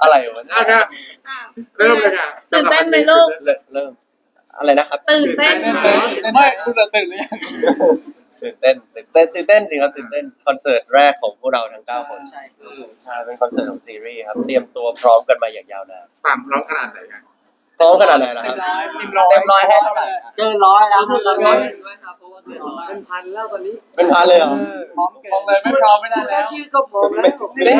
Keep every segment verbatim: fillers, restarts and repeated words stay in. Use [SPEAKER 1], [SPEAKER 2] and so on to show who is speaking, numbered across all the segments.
[SPEAKER 1] อะไรวะ
[SPEAKER 2] อ่ะนะเริ่มเลยค่ะ
[SPEAKER 3] ตื่นเต้นไหมลูก
[SPEAKER 1] เริ่มเริ่มอะไรนะครับ
[SPEAKER 3] ตื่นเต้นไหม
[SPEAKER 4] ไม่คุณจะตื่นหรือยัง
[SPEAKER 1] ตื่นเต้นตื่นเต้นตื่นเต้นสิครับตื่นเต้นคอนเสิร์ตแรกของพวกเราทั้งเก้าคนใช่ใช่เป็นคอนเสิร์ตของซีรีส์ครับเตรียมตัวพร้อมกันมาอย่างยาวนาน
[SPEAKER 2] ตามร้องขนาดไหนกัน
[SPEAKER 1] พร้อมขนาดไหนล่ะครับเต็มร้อยเต็มร้อยให้เท่าไหร่
[SPEAKER 5] เกินร้อยแล้วเกินร้อย
[SPEAKER 6] เป็นพันแล้วตอนนี้
[SPEAKER 1] เป็นพันเลยเหรอ
[SPEAKER 5] พร้อม
[SPEAKER 4] มองเลยไม่พร้อมไม่ได้แล้ว
[SPEAKER 6] ชื่อก็พร้อมแล้ว
[SPEAKER 1] นี่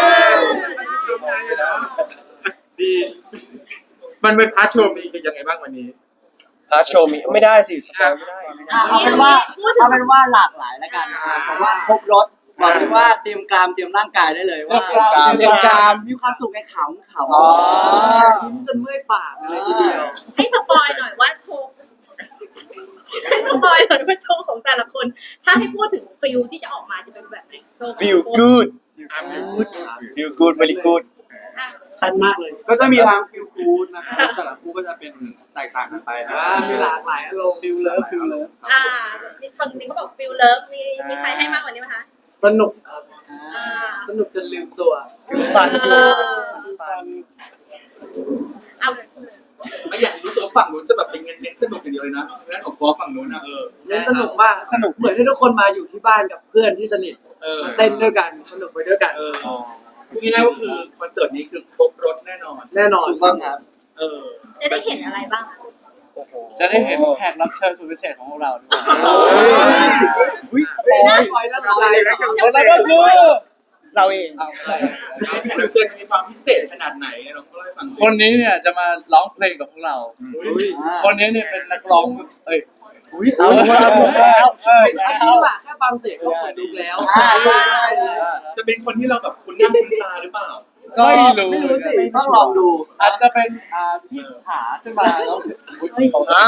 [SPEAKER 2] ดีมันเป็นพาร์ทโชว์มีกันยังไงบ้างวันนี้
[SPEAKER 1] ฮาร์ดโชว์มีไม่ได้สิสปอยไม่ได้ไม่ได้
[SPEAKER 5] เอาเป็นว่าเอาเป็นว่าหลากหลายแล้วกันเพราะว่าครบรถบอกเลยว่าเตรียมกรามเตรียมร่างกายได้เลยว่าเตรียมกรามมีความสุขในขำขำ
[SPEAKER 6] ยิ้มจนเมื่อยปากเลยทีเดียว
[SPEAKER 3] ให้สปอยหน่อยว่าโชว์ให้สปอยหน่อยว่าโชว์ของแต่ละคน ถ้าให้พูดถึงฟิลที่จะออกมาจะเป็นแบบไหนโชว์ของ
[SPEAKER 1] feel good feel good very good
[SPEAKER 3] อ่ะ
[SPEAKER 5] สั้นมากเลยก็จะมีทางฟิลกู๊ดนะครับแต่ละคู่ก็จะเป็นแตกต่างกันไปนะ
[SPEAKER 6] มีหลากหลายอารมณ์
[SPEAKER 5] ฟิลเลิฟฟิลเลิฟ
[SPEAKER 3] อ่าฝั่งนี้เขาบอกฟิลเลิฟมีมีใครให้มากกว่านี้ไหมคะ
[SPEAKER 6] สนุกครับ
[SPEAKER 3] อ่า
[SPEAKER 6] สนุกจนลืมตัว
[SPEAKER 1] ฟัน
[SPEAKER 3] เออเอา
[SPEAKER 7] ไม่อยากรู้สึกว่าฝั่งนู้นจะแบบเป็นเน้นสนุกอย่างเดียวเลยนะนั่นของพอฝั่งนู้นนะเออ
[SPEAKER 6] เล่นสนุกมากสนุกเหมือนที่ทุกคนมาอยู่ที่บ้านกับเพื่อนที่สนิท
[SPEAKER 7] เออ
[SPEAKER 6] เต้นด้วยกันสนุกไปด้วยกัน
[SPEAKER 7] เออง่ายๆก็คือคอนเสิร์ตนี้คือครบรถแน่นอน
[SPEAKER 6] แน่นอน
[SPEAKER 5] ถูกต้องครับ
[SPEAKER 7] เออ
[SPEAKER 3] จะได้เห็นอะไรบ้างอะ
[SPEAKER 4] จะได้เห็นแขกรับเชิญสุดพิเศษของพวกเราด้วย
[SPEAKER 1] อุ้ย
[SPEAKER 6] ไม่น่าปล่อยแล้วตายแล้ว
[SPEAKER 4] คนนั้นก็คือ
[SPEAKER 1] เราเอง
[SPEAKER 4] เอาอะไร
[SPEAKER 7] แขกรับเชิญมีความพิเศษขนาดไหนเราก็เล่าให้ฟังสิ
[SPEAKER 4] คนนี้เนี่ยจะมาร้องเพลงกับพวกเรา
[SPEAKER 7] อุ้ย
[SPEAKER 4] คนนี้เนี่ยเป็นนักร้องเอ้ย
[SPEAKER 1] อุ้ยเอาแล้วแล้ว
[SPEAKER 6] เป็นอาชีพอะแค่ฟังเสียงก็เปิดดูแล้ว
[SPEAKER 7] จะเป็นคนที่เราแบบคุณหน้าคุณตาหรือเปล่า
[SPEAKER 1] ก็
[SPEAKER 4] ไม่รู้
[SPEAKER 5] ไม่รู้สิต้องลองดู
[SPEAKER 4] อาจจะเป็นอ่าที่ขาขึ้นมาแล้ว
[SPEAKER 1] อ่ะ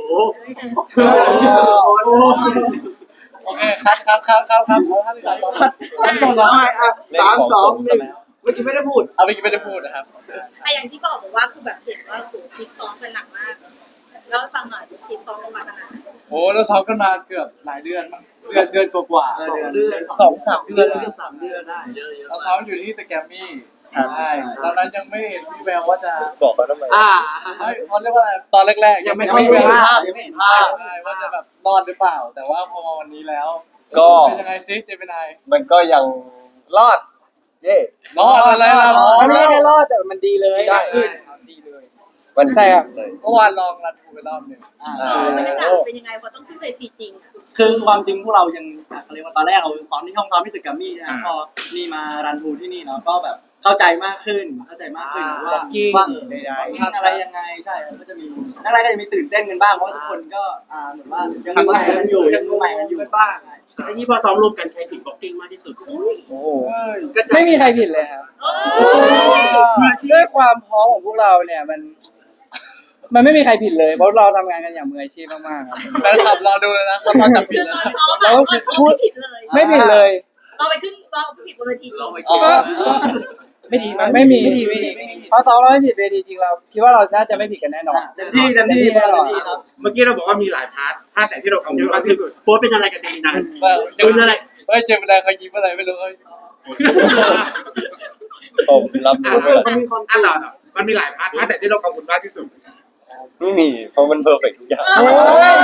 [SPEAKER 4] โอเคครับครับครับครับครับเอาท่านครับท่านต่อ
[SPEAKER 5] เอาใหม่อ่ะสามสองหนึ่งเมื่อกี้ไม่ได้พูด
[SPEAKER 4] เอาไปกินไม่ได้พูดนะครับ
[SPEAKER 3] อ่ะอย่างที่บอกบอกว่าคือแบบเห็นว่าโหคิดซ้อมกันหนักมากแล้วฟังหน่อยคิดซ้อมลงมาขนาดไหน
[SPEAKER 4] โอ้เราซ้อมกันมาเกือบหลายเดือนมั้งเดือนเดือนกว่า
[SPEAKER 5] เออ
[SPEAKER 6] เดือน
[SPEAKER 1] สองสามเดือน
[SPEAKER 6] เดือนสามเดือนได้เยอะ
[SPEAKER 4] ๆเราซ้อมอยู่ที่สแกมมี่ใช่ตอนนั้นยังไม่เห็นพี่แววว่าจะ
[SPEAKER 1] บอกเขาทำไม
[SPEAKER 6] อ่า
[SPEAKER 4] เฮ้ยเขาเรียกว่าอะไรตอนแรกๆ
[SPEAKER 6] ยังไม่
[SPEAKER 5] ยังไม่
[SPEAKER 6] ค่อย
[SPEAKER 5] เห็น
[SPEAKER 6] เวลา
[SPEAKER 5] ภาพยังไม่เห็นภาพ
[SPEAKER 4] ใช่ว่าจะแบบรอดหรือเปล่า แต่ว่าพอมาวันนี้แล้ว
[SPEAKER 1] ก็
[SPEAKER 4] เป็นยังไงซิเจมินาย
[SPEAKER 1] มันก็ยังรอด เย่
[SPEAKER 4] รอดอะไรล่ะรอด
[SPEAKER 6] มันไม่ได้รอดแต่มันดีเลย
[SPEAKER 1] ได้ขึ้นมัน
[SPEAKER 6] ใช่ครับ
[SPEAKER 1] เลย
[SPEAKER 4] เมื่อวานลองรันทูไปรอบหนึ่ง
[SPEAKER 5] อ่า
[SPEAKER 3] บรรยากาศเป็นยังไงพอต้องขึ้นเวทีจริงอะ
[SPEAKER 5] คือความจริงพวกเรายังเขาเรียกว่าตอนแรกเราซ้อมที่ห้องซ้อมที่ตึกแกรมมี่นะพอนี่มารันทูที่นี่เนาะก็แบบเข้าใจมากขึ้นเข้าใจมากขึ้นว่าว่าว่าอะไรยังไงใช่ก็จะมีนักแรกก็จะมีตื่นเต้นกันบ้างเพราะทุกคนก็อ่าเหมือนว่ายังใหม่กันอยู่ยังใหม่กันอยู่บ้าง
[SPEAKER 6] ไอ้นี่พอซ้อมรวมกันใครผิดบ็อกกิ้งมากที่สุด
[SPEAKER 1] โอ้โห
[SPEAKER 6] ไม่มีใครผิดเลยครับ
[SPEAKER 3] เอ้ย
[SPEAKER 6] ด้วยความพร้อมของพวกเราเนี่ยมัน มันไม่มีใครผิดเลยเพราะเราทำงานกันอย่างมืออาชีพมากๆครับ
[SPEAKER 4] แฟนคลับรอดูเลยนะเขาตอนจับผิ
[SPEAKER 3] คื
[SPEAKER 4] ด
[SPEAKER 3] อ
[SPEAKER 4] แล้ว
[SPEAKER 3] ตอนซ้อมอะตอนซ้อมไม่ผิดเลย
[SPEAKER 6] ไม่ผิดเลย
[SPEAKER 3] เราไปขึ้นเราผิดบนเวทีจริง
[SPEAKER 4] อ๋อ
[SPEAKER 1] ไม่ดีมั้ย
[SPEAKER 6] ไม่มี
[SPEAKER 1] ไม่ดีไม่ดี
[SPEAKER 6] เพราะซ้อมเราไม่ผิดเวทีจริงเราคิดว่าเราน่าจะไม่ผิดกันแน่นอน
[SPEAKER 5] เต็มที่เต็มที่เต็มที่ครับ
[SPEAKER 2] เมื่อกี้เราบอกว่ามีหลายพาร์ทพาร์ทไหนที่เรากังวลมากที่สุด
[SPEAKER 6] โพสเป็นอะไรกับเจมินาย
[SPEAKER 4] เจมินายเฮ้ยเจมินายเขายิ้มอะไรไม่รู้เอ้ย
[SPEAKER 1] ผมรับรู้ไปแล้ว
[SPEAKER 6] มันมีความ
[SPEAKER 2] อ่ะต่อต่อมันมีหลายพาร์ทพาร์ทไหนที่เรากังวลมากที่สุด
[SPEAKER 1] ไม่มีเพราะมันเพอร์เฟกทุกอย่าง
[SPEAKER 3] โอ้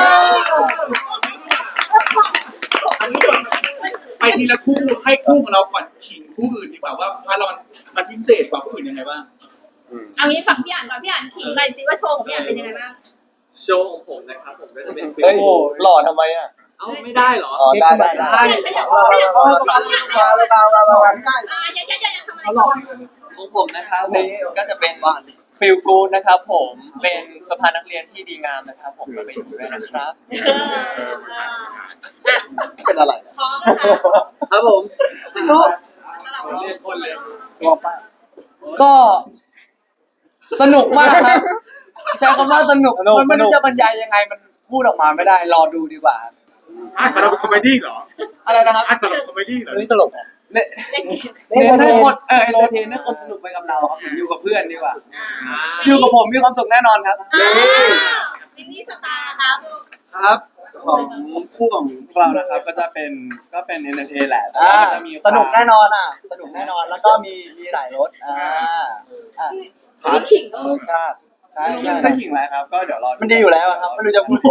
[SPEAKER 3] ย
[SPEAKER 7] ไปทีละคู่ให้คู่ของเราก่อนขิงคู่อื่นดีกว่าว่าพาเรามันพิเศษกว่าคู่อื่นยังไงบ้าง
[SPEAKER 3] เอางี้ฝั่งพี่อ่านก่อนพี่อ่านขิงเลยสิว่าโชว์ของพี่อ่านเป็นยังไงบ้าง
[SPEAKER 6] โชว์ของผมนะครับผมก็จะเป็นฟิล
[SPEAKER 1] เฮ้ยหล่อทำไมอ่ะ
[SPEAKER 6] เอ้าไม่ได้เหรอ
[SPEAKER 1] อ๋อได้ได้ได้
[SPEAKER 3] ขยับขยับขยับขยับ
[SPEAKER 5] มาเลยมามามาไม่ได้
[SPEAKER 3] อ่าอย่าอย่าอย่าอย่าทำอะไร
[SPEAKER 6] เขาหล
[SPEAKER 3] ก่
[SPEAKER 6] อ
[SPEAKER 3] อก น
[SPEAKER 8] ของผมนะครับผม
[SPEAKER 1] นี่
[SPEAKER 8] ก็จะเป็น
[SPEAKER 1] บ้านดิ
[SPEAKER 8] ฟิลกูดนะครับผมเป็นสภานักเรียนที่ดีงามนะครับผมก็ไปอยู่ด้วยนะครับ
[SPEAKER 3] เอออ่ะ
[SPEAKER 1] เป็นอะไร
[SPEAKER 3] พร้อมนะคะ
[SPEAKER 6] ครับผม
[SPEAKER 3] ก็
[SPEAKER 7] เรียกคนเลย
[SPEAKER 6] บอกไปก็สนุกมากครับใช้คำว่าสนุกมันไม่รู้จะบรรยายยังไงมันพูดออกมาไม่ได้รอดูดีกว่า
[SPEAKER 2] พาร์ทของเราเป็นคอมเมดี้เหรอ
[SPEAKER 6] อะไรนะครับ
[SPEAKER 2] พาร์ทของเราเป็นคอมเมดี้เหรอ
[SPEAKER 1] นี่ตลกอ่ะ
[SPEAKER 6] เน้น
[SPEAKER 3] เล่นเกม
[SPEAKER 6] เน้นให้คนเออเอนเตอร์เทนให้คนสนุกไปกับเราครับอยู่กับเพื่อนดีกว่า
[SPEAKER 3] อ่า
[SPEAKER 6] อยู่กับผมมีความสุขแน่นอนครับ
[SPEAKER 3] อ่าวินนี่สตาร์ครับ
[SPEAKER 6] ครับของคู่ของพวกเรานะครับก็จะเป็นก็เป็นเอนเตอร์เทนแหละแต่ว่าก็จะมี
[SPEAKER 5] สนุกแน่นอนอ่ะ สนุกแน่นอนแล้วก็มีมีหลายรสอ่าอ่า
[SPEAKER 3] มีขิงก็
[SPEAKER 5] รสชาติใช่
[SPEAKER 6] ไม่รู้
[SPEAKER 5] ใช่
[SPEAKER 6] จะขิงอะไรครับก็เดี๋ยวรอ
[SPEAKER 5] มันดีอยู่แล้วอะครับไม่รู้จะพูด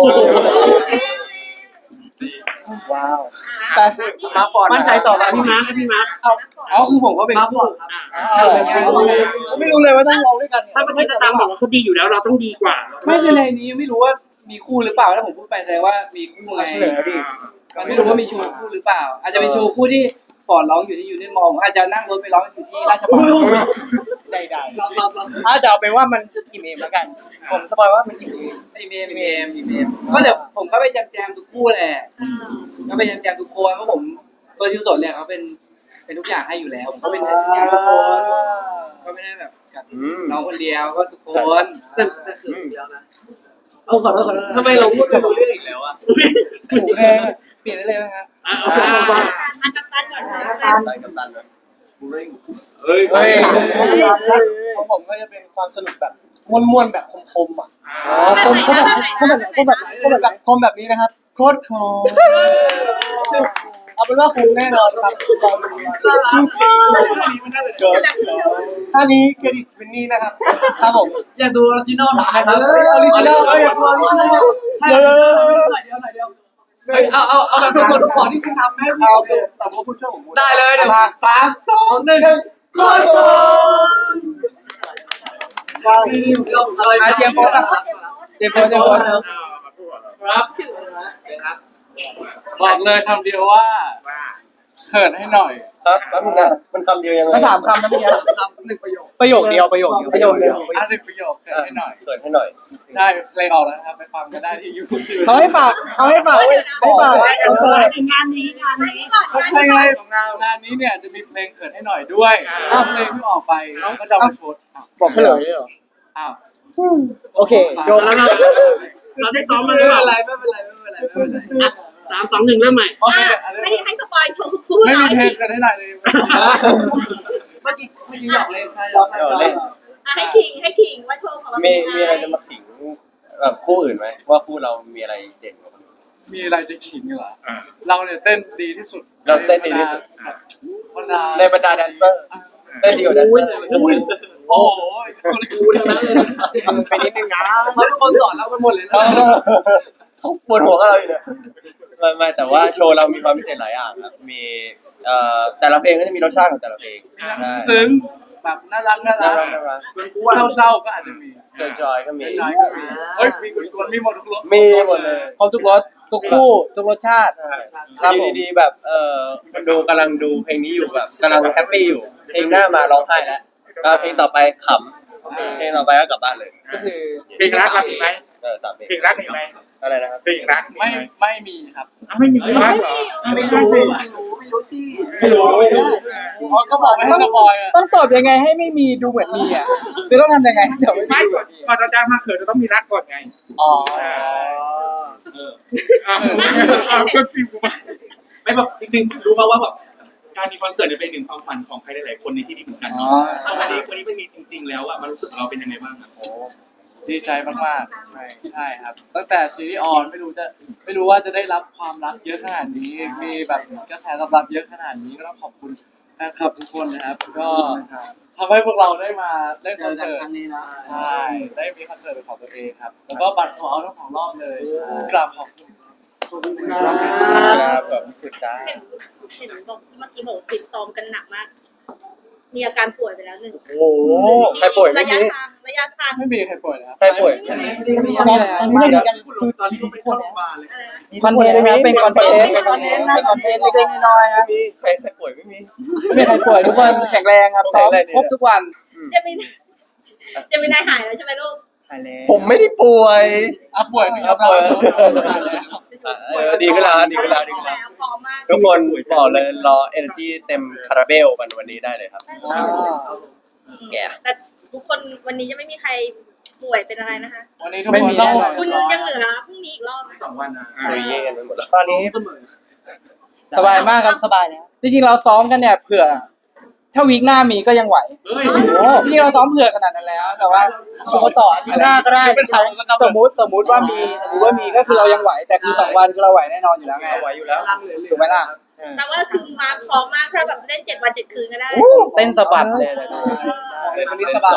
[SPEAKER 5] ว้าวแต่มาก่อนมั่นใจต่อมาพี่มาร์คพี่มาร์ค
[SPEAKER 6] อ๋อคือผมก็เป็นคู่
[SPEAKER 5] ไม่รู้เลยว่าต้องลองด้วยกัน
[SPEAKER 4] ถ้าประเทศสตาร์บอกว่าเขาดีอยู่แล้วเราต้องดีกว่า
[SPEAKER 6] ไม่คือในนี้ไม่รู้ว่ามีคู่หรือเปล่าถ้าผมพูดไปแสดงว่ามีคู่ไง
[SPEAKER 5] เฉลยดิ
[SPEAKER 6] มันไม่รู้ว่ามีโชว์คู่หรือเปล่า อาจจะเป็นโชว์คู่ที่ก่อนร้องอยู่ที่ยูเนียนมอลล์อาจจะนั่งรถไปร้องอยู่ที่ราชบัณฑิต
[SPEAKER 5] ใดๆถ้าจะเอาเป็นว่ามันกี่เมมแล้วกัน ผมสปอยว่ามันกี่เมม
[SPEAKER 6] ไอเมมเมมเมมก็เดี๋ยวผมก็ไปแจมแจมทุกคู่แหละก็ไปแจมแจมทุกคนเพราะผมตัวยูสดเนี่ยเขาเป็นเป็นทุกอย่างให้อยู่แล้วผมก็เป็นแจมแจมทุกคนก็ไม่ได้แบบกับน้องคนเดียวก็ทุกคนแต่แต่คือเดียวนะเอาขอโทษขอโทษ
[SPEAKER 4] ทำไมเราพูดไม่รู้เรื่องอีกแล้วอ่ะ
[SPEAKER 6] เปลี่ยนได้เลยไหมครับ
[SPEAKER 4] อ่ะโอเคเอาไป
[SPEAKER 3] อันกัปตันก่อนค่ะ
[SPEAKER 1] ไปกับตันเลย
[SPEAKER 7] เฮ้ย
[SPEAKER 5] เฮ้ยของผมก็จะเป็นความสนุกแบบม้วนๆแบบคมๆอ่ะคมเขาแบบเขาแบบเขาแบบเขาแบบแบบคมแบบนี้นะครับโคตรคมเอาเป็นว่าคุ้มแน่นอนครับเกิดท่านี้เครดิตวินนี่นะครับครับผม
[SPEAKER 6] อยากดูออริจินอลหน่อย
[SPEAKER 5] เออออริจินอลอยากดูออริจินอลเดี๋ยว
[SPEAKER 6] เดี๋ยวเดี๋ยวเดี๋ยวเอาเอาเอาแบบทุกคนขอที่คุณทำให้
[SPEAKER 5] เอาแต่ว่าคุณช่วยผม
[SPEAKER 6] ได้เลยเดี๋ยวสามสองหนึ่งโคตรโกงอาเจียมโพสอะเจียมโพสเจียมโพสครับบอกเลยคำเดียวว่าเขินให้หน่อย
[SPEAKER 1] ครับแล้วมันมันคำเดียวยังไง
[SPEAKER 5] ก็สามคำนะเมื่อกี้
[SPEAKER 6] หนึ่งประโยค
[SPEAKER 5] ประโยคเดียวประโยคเดียวประโยคเดียว
[SPEAKER 6] อ่ะหนึ่งประโยคเขินให้หน่อย
[SPEAKER 1] เกิดให้หน่อย
[SPEAKER 6] ใช่เพลงออกแล้วนะครับไปฟังกันได้ที่ยูทูบ
[SPEAKER 5] เขาให้ฝากเขาให้ฝากให้ฝาก
[SPEAKER 3] งานนี้งานนี้
[SPEAKER 6] เพลงอะไรงานนี้เนี่ยจะมีเพลงเขินให้หน่อยด้วยถ้าเพลงที่ออกไปก็จะมาโพส
[SPEAKER 5] บอกเฉลยเหรอ
[SPEAKER 6] อ้าว
[SPEAKER 5] โอเคจบ
[SPEAKER 4] แล้วเราเราได้ซ้อมมา
[SPEAKER 6] ไม่
[SPEAKER 4] หรือ
[SPEAKER 6] เป็
[SPEAKER 4] เปล่า
[SPEAKER 6] นไรไม่เป็นไรไม่เป็นไรไม่เป็นไร
[SPEAKER 4] สามสองหนึ่งเริ่มใหม่
[SPEAKER 6] โอเค
[SPEAKER 3] ให้ให้สปอยโชว์คู่
[SPEAKER 6] ไม่
[SPEAKER 3] หน่
[SPEAKER 6] มี
[SPEAKER 3] อย
[SPEAKER 6] เพลงเขินให้หน่อยเลยเมื่อกี้เมื่อกี้หยอกเล่นใช่หยอก
[SPEAKER 1] เดี๋ยวเล่น
[SPEAKER 3] ให้ขิงให้ขิงว่าโชว์ของเรา
[SPEAKER 1] มี
[SPEAKER 3] เป็น
[SPEAKER 1] มีอะไรจะมาขิงแบบคู่อื่นไหมว่าคู่เรามีอะไรเด่นกว่าคนอื่น
[SPEAKER 6] มีอะไรจะขิงเหรอเราเนี่ยเต้นดีที่สุด
[SPEAKER 1] เราเต้นดีที่สุด
[SPEAKER 6] บรรดา
[SPEAKER 1] ในบรรดาแดนเซอร์เต้นดีกว่าแดนเซอร์
[SPEAKER 6] โอ้โหคนกูทั้งนั้นเลย
[SPEAKER 5] ไปนิดนึงนะ
[SPEAKER 6] เขาทุกคนสอนเราไปหมดเลยนะ
[SPEAKER 1] ปวดหัวกับเราอยู่เนี่ยไม่ไม่แต่ว่าโชว์เรามีความพิเศษหลายอย่างครับมีเอ่อแต่ละเพลงก็จะมีรสชาติของแต่ละเพลงใช่
[SPEAKER 6] ซึ้งแบบน่ารักน่า
[SPEAKER 1] น่า
[SPEAKER 6] รั
[SPEAKER 1] รั
[SPEAKER 6] ก
[SPEAKER 1] กน่ารัก
[SPEAKER 6] เศร้าๆก็อาจจะมี
[SPEAKER 1] จอยๆก็มี
[SPEAKER 6] จอยๆก็มีเฮ้ยมีคนมีหมดทุกรส
[SPEAKER 1] มีหมดเลย
[SPEAKER 5] ครบทุกรสทุกคู่ทุกรสชาติ ครับผม
[SPEAKER 1] อยู่ดีๆแบบเอ่อคนดูกำลังดูเพลงนี้อยู่แบบกำลังแฮปปี้อยู่เพลงหน้ามาร้องไห้แล้วก็เพลงต่อไปขำเพลงต่อไปก็กลับบ้านเลย
[SPEAKER 5] ก็คือ
[SPEAKER 7] เพลงรักเรามีไหม
[SPEAKER 1] เออสามเพลง
[SPEAKER 7] เพลงรักมีไหม
[SPEAKER 1] อะไรนะครับ
[SPEAKER 7] เพลงรัก
[SPEAKER 6] ไม่ไม่มีครับ
[SPEAKER 7] ไม่มีเพลงรักเหรอ
[SPEAKER 5] ไม่รู้สิ
[SPEAKER 1] ไม่รู้ไม่รู้
[SPEAKER 6] อ๋อก็บอกไม่ให้สปอยอ่ะ
[SPEAKER 5] ต้องตอบยังไงให้ไม่มีดูเหมือนมีอ่ะคือต้องทำยังไงเดี๋ยวไม่
[SPEAKER 7] ไม่
[SPEAKER 5] มี
[SPEAKER 7] ก่อนก่อนเราจะมาเขินเราต้องมีรักก่อนไง
[SPEAKER 6] อ๋อ
[SPEAKER 7] อ้าวอ้าวก็ฟิวมาไม่แบบจริงๆรู้ป่าวว่าแบบการมีคอนเสิร์ตเนี่ยเป็นหนึ่งความฝันของใครหลายๆคนในที่ดีเหมือนกันพอวันนี้วันนี้มันมีจริง ๆ แล้วอะมันรู้สึกเราเป็นยังไงบ้างอะ
[SPEAKER 6] ดีใจมากๆใช่ใช่ครับ ตั้งแต่ซีรีส์ออนไม่รู้จะไม่รู้ว่าจะได้รับความรักเยอะขนาดนี้ มีแบบกระแสตอบรับเยอะขนาดนี้ก็ต้องขอบคุณแฟนคลับทุกคนนะครับ ก็ทำให้พวกเราได้มาเล่นคอนเสิร์ตใช่ได้มีคอนเสิร์ตเป็นของตัวเองครับ แล้วก็บัตรโซเอาทั้งสองรอบเลยกราบขอบคุณ
[SPEAKER 1] ครับแบบสุดจ้า
[SPEAKER 3] เห็นเห็นบอกเมื่อกี้บอกติดซ้อมกันหนักมาก มีอาการป่วยไปแล้วหนึ่ง
[SPEAKER 1] โอ้โหใครป่วยไม่
[SPEAKER 3] ระยะ
[SPEAKER 1] มี
[SPEAKER 3] ทางระยะทาง
[SPEAKER 6] ไม่มีใครป่วยนะครับ
[SPEAKER 1] ใครป่วย
[SPEAKER 5] ตอนนี้ไม่มีกันคือ
[SPEAKER 4] ตอนที่ไปเข้าโรงพยาบาลเลย
[SPEAKER 5] คอนเทนต์นะครับเป็นคอนเทนต์เป็นคอนเทนต์เป็นคอนเทนต์เล็กๆน้อยๆครับ
[SPEAKER 1] ไม่มีใครใครป่วยไม่มี
[SPEAKER 5] ไม่มีใครป่วยทุกคนแข็งแรงครับซ้อมครบทุกวัน
[SPEAKER 3] จะไม่จะไม่ได้หายแล้วใช่ไหมลูก
[SPEAKER 1] ผมไม่ได้ป่วย
[SPEAKER 6] อ่ะป่วยไม่ยอมรับ
[SPEAKER 1] อ่ะเออดีขึ้นแล้วดีขึ้นแล้วดีขึ้นแล้ว
[SPEAKER 3] พร้อมมาก
[SPEAKER 1] ทุกคนบอกเลยรอ energy เต็มคาราเบลกันวันนี้ได้เลยครับ
[SPEAKER 3] แต่ทุกคนวันนี้จะไม่มีใครป่วยเป็นอะไรนะคะ
[SPEAKER 6] วันนี้ทุกคนต้อง
[SPEAKER 3] คุณยังเหลือพรุ่งนี้อีกรอบนะ
[SPEAKER 7] สองวันนะ
[SPEAKER 1] คุยเย่กันไปหมดแล้ว
[SPEAKER 5] ตอนนี้สบายมากครับสบายแล้วจริงๆเราซ้อมกันเนี่ยเผื่อ
[SPEAKER 4] ถ้าวีคหน้ามีก็ยังไหว
[SPEAKER 7] เฮ้ย
[SPEAKER 4] ที่เราซ้อมเผื่อขนาดนั้นแล้ว แต่ว่าโชว์ต่ออาทิตย์หน้าก็ได้สมมุติสมมุติว่ามีสมมุติว่ามีก็คือเรายังไหว แต่คือสองวันคือเราไหวแน่นอนอยู่แล้วไง
[SPEAKER 1] เอาไว้อยู่แล้ว
[SPEAKER 4] ถูกไหมล่ะ
[SPEAKER 3] แปลว่าคือมาพร้อมมากถ้าแบบเล่นเจ็ดวันเจ็ดคืนก็ได้
[SPEAKER 4] เต้นสะบัดเลยนะ
[SPEAKER 1] เล่นวันนี้สบาย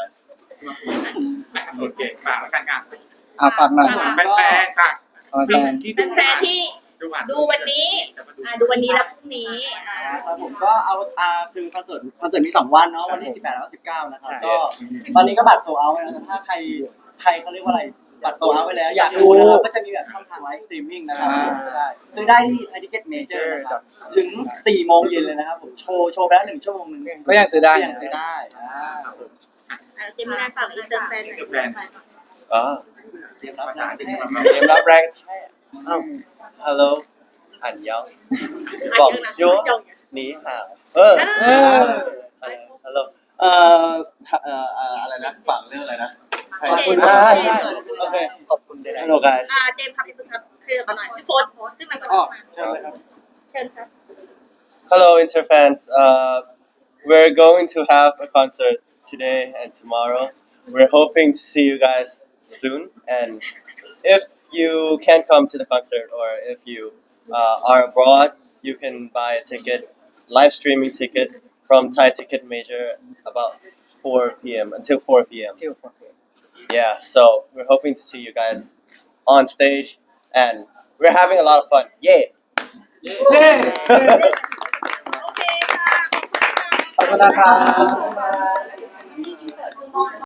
[SPEAKER 7] โอเคฝากแล้วกันอ่ะ
[SPEAKER 4] อ่ะฝากหน่อย
[SPEAKER 7] แฟนๆฝาก
[SPEAKER 4] เอาแฟน
[SPEAKER 7] ที่
[SPEAKER 3] เป็
[SPEAKER 7] ดู
[SPEAKER 3] นแฟนที่
[SPEAKER 7] ดูอ่ะ
[SPEAKER 3] ดูวันนี้อ่าดูวันนี้แล้วพรุ่งนี้อ่า
[SPEAKER 5] ครับผมก็เอาอ่าคือคอนเสิร์ตคอนเสิร์ตมีสองวันเนาะวันที่สิบแปดแล้วก็สิบเก้านะครับก็ตอนนี้ก็บัตรโซลเอาท์แล้วแต่ถ้าใครใครเขาเรียกว่าอะไรบัตรโซลเอาท์ไปแล้วอยากดูนะครับก็จะมีแบบช่องทางไลฟ์สตรีมมิ่งนะครับใช่ซื้อได้ที่ไทยทิเก็ตเมเจอร์นะครับถึงสี่โมงเย็นเลยนะครับผมโชว์โชว์ไปแล้วหนึ่งชั่วโมงหนึ่ง
[SPEAKER 4] ก็ยังซื้อได้
[SPEAKER 5] ก็ยังซื้อได้อ่า
[SPEAKER 3] อ่าเจมินาฝากอินเตอร์แฟนหน่อย
[SPEAKER 1] อ๋อ
[SPEAKER 5] เตรียมรับ
[SPEAKER 7] ภาษา
[SPEAKER 5] นะ
[SPEAKER 7] อังกฤษครับ
[SPEAKER 1] เตรียมรับแรงอ้าวฮัลโหลอันยองบอกจูนี่ฮาวเออฮัลโหลเอ่อเอ่อเอ่ออะไรนะฝั่งเรื่องอะไรนะขอบคุณมากโอเคขอบคุณฮัลโหล guys
[SPEAKER 3] อ่าเจมส์ครับอย่าเพิ่งครับเคลียร์มาหน่อยโพสต์โพสต์ขึ้นมาก่อน
[SPEAKER 6] อ๋อ
[SPEAKER 3] มา
[SPEAKER 6] เชิญเลยครับ
[SPEAKER 3] เชิญครับ
[SPEAKER 1] Hello, Interfans. Uh, we're going to have a concert today and tomorrow. We're hoping to see you guys soon. And if you can't come to the concert or if you uh, are abroad, you can buy a ticket, live streaming ticket from Thai Ticket Major about four p.m. until four p.m. Yeah, so we're hoping to see you guys on stage and we're having a lot of fun. Yay!
[SPEAKER 3] โอเคค่ะ
[SPEAKER 4] ขอบคุณนะครับ